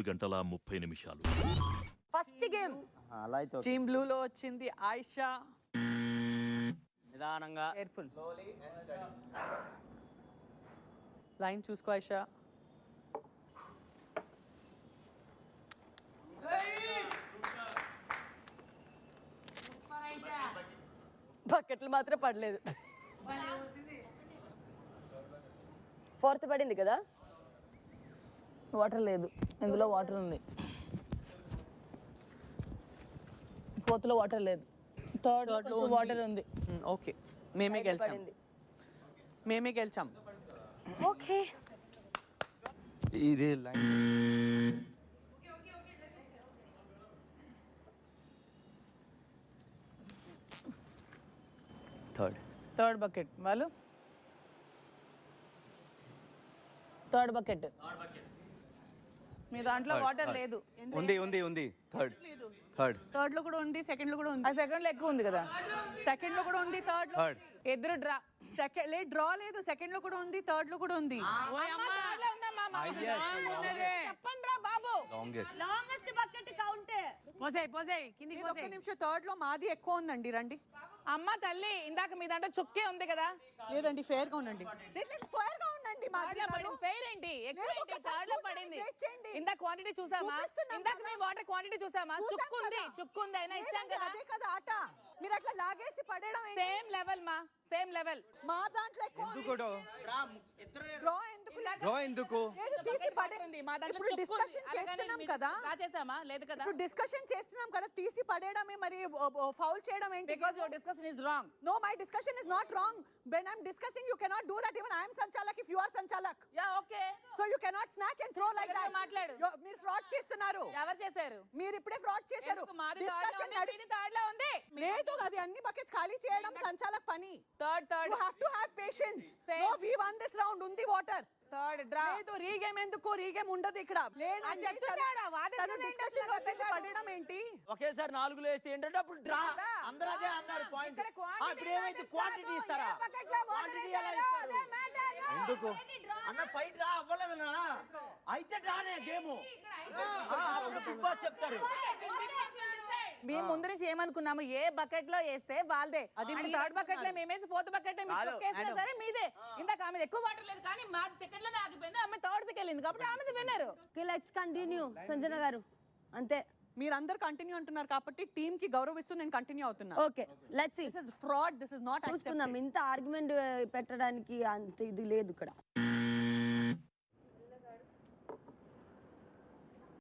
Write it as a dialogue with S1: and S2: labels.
S1: 7:30
S2: first game
S3: అలా అయితే
S4: team బ్లూలో వచ్చింది ఆయిషా.
S3: నిదానంగా
S4: కేర్ఫుల్. లైన్ చూసుకో ఆయిషా.
S2: బకెట్లు మాత్రం పడలేదు. ఫోర్త్ పడింది కదా.
S5: వాటర్ లేదు, ఇందులో వాటర్ ఉంది. ఫోర్త్ లో వాటర్ లేదు, థర్డ్ లో వాటర్ ఉంది.
S4: ఓకే, మేమే గెలిచాం.
S2: పడింది.
S4: మేమే గెలిచాం.
S2: ఓకే,
S3: ఇది లైన్
S5: థర్డ్ బకెట్ వాళ్ళు. థర్డ్ బకెట్ మీ దాంట్లో వాటర్ లేదు.
S3: ఉంది థర్డ్
S4: లో కూడా ఉంది, సెకండ్ లో కూడా ఉంది.
S5: ఆ సెకండ్ లో ఎక్కువ ఉంది కదా.
S4: సెకండ్ లో కూడా ఉంది, థర్డ్ లో
S5: ఇద్దరు డ్రా.
S4: సెకండ్ లే డ్రా లేదు, సెకండ్ లో కూడా ఉంది, థర్డ్ లో కూడా ఉంది.
S5: చెప్పండి రా బాబు.
S2: Longest bucket కౌంటే.
S4: ఒక్క నిమిషం, థర్డ్ లో మాది ఎక్కువ ఉందండి. రండి.
S5: అమ్మ తల్లి, ఇందాక మీ దాంట్లో చుక్కే ఉంది కదా.
S4: లేదండి, ఫేర్ గా ఉండండి. ఫేర్ గా ఉండండి.
S5: ఫెయిర్ ఏంటి? థర్డ్ లో పడింది. ఇందాక క్వాంటిటీ చూసామా? ఇందాక మీ వాటర్ క్వాంటిటీ చూసామా? చుక్కు ఉంది అయినా ఇచ్చాం కదా.
S4: అదే కదా ఆట. మీరు అట్లా లాగేసి పడేయడం.
S5: సేమ్ లెవెల్ మా, సేమ్ లెవెల్.
S4: మా దాంట్లో ఎక్కువ
S3: ఎందుకు
S4: లేదు, తీసి పడేయండి.
S5: మా దాంట్లో
S4: ఇప్పుడు డిస్కషన్ చేస్తున్నాం కదా.
S5: చేసామా? లేదు కదా.
S4: ఇప్పుడు డిస్కషన్ చేస్తున్నాం కదా, తీసి పడేయడమే మరి ఫౌల్ చేయడం ఏంటి?
S5: Because your discussion is wrong.
S4: No, my discussion is not wrong. When I'm discussing, you cannot do that. Even I am Sanchalak if you are Sanchalak.
S5: Yeah, okay.
S4: So you cannot snatch and throw like that.
S5: మాట్లాడు.
S4: మీరు fraud చేస్తున్నారు.
S5: ఎవరు చేశారు?
S4: మీరు ఇప్పుడే fraud చేశారు.
S5: Discussion third లో ఉంది.
S4: లేదు, అది అన్ని బకెట్స్ ఖాళీ చేయడం సంచాలక్ పని.
S5: Third
S4: You have to have patience. No, we won this round. ఉంది వాటర్.
S5: Third draw.
S4: లేదు, రీగేమ్ ఎందుకు? రీగేమ్ ఉండదు ఇక్కడ. లేదండి, తను డిస్కషన్ లో వచ్చేసి పడడం ఏంటి?
S3: ఒకేసారి 4 వేస్తే ఏంటంటే అప్పుడు డ్రా. అందరూ అదే అన్నారు పాయింట్. ఇప్పుడు ఏమైతే క్వాంటిటీ ఇస్తారా? క్వాంటిటీ ఎలా ఇస్తారు? ఎందుకు అన్న ఫైట్ రా అవ్వలేదన్నా? అయితే డ్రానే గేమ్. బిగ్ బాస్ చెప్తారు.
S5: మేము ముందు నుంచి ఏమనుకున్నాము, ఏ బకెట్ లో వేస్తే వాళ్ళదే. అది థర్డ్ బకెట్ లో మేమేసి ఫోర్త్ బకెట్ లో సరే మీదే. ఇందాక ఆమె ఎక్కువ వాటర్ లేదు కానీ మా సెకండ్ లోనే ఆగిపోయింది. ఆమె థర్డ్ కి వెళ్ళింది కాబట్టి ఆమె విన్నారు.
S2: లెట్స్ కంటిన్యూ సంజన గారు. అంతే,
S4: మీరందరూ కంటిన్యూ అంటున్నారు కాబట్టి టీమ్ కి గౌరవిస్తూ నేను కంటిన్యూ అవుతున్నా.
S2: Okay, let's see.
S4: This is fraud. This is not
S2: చూసుకుందాం. ఇంత ఆర్గ్యుమెంట్ పెట్టడానికి అంత ఇది లేదు ఇక్కడ.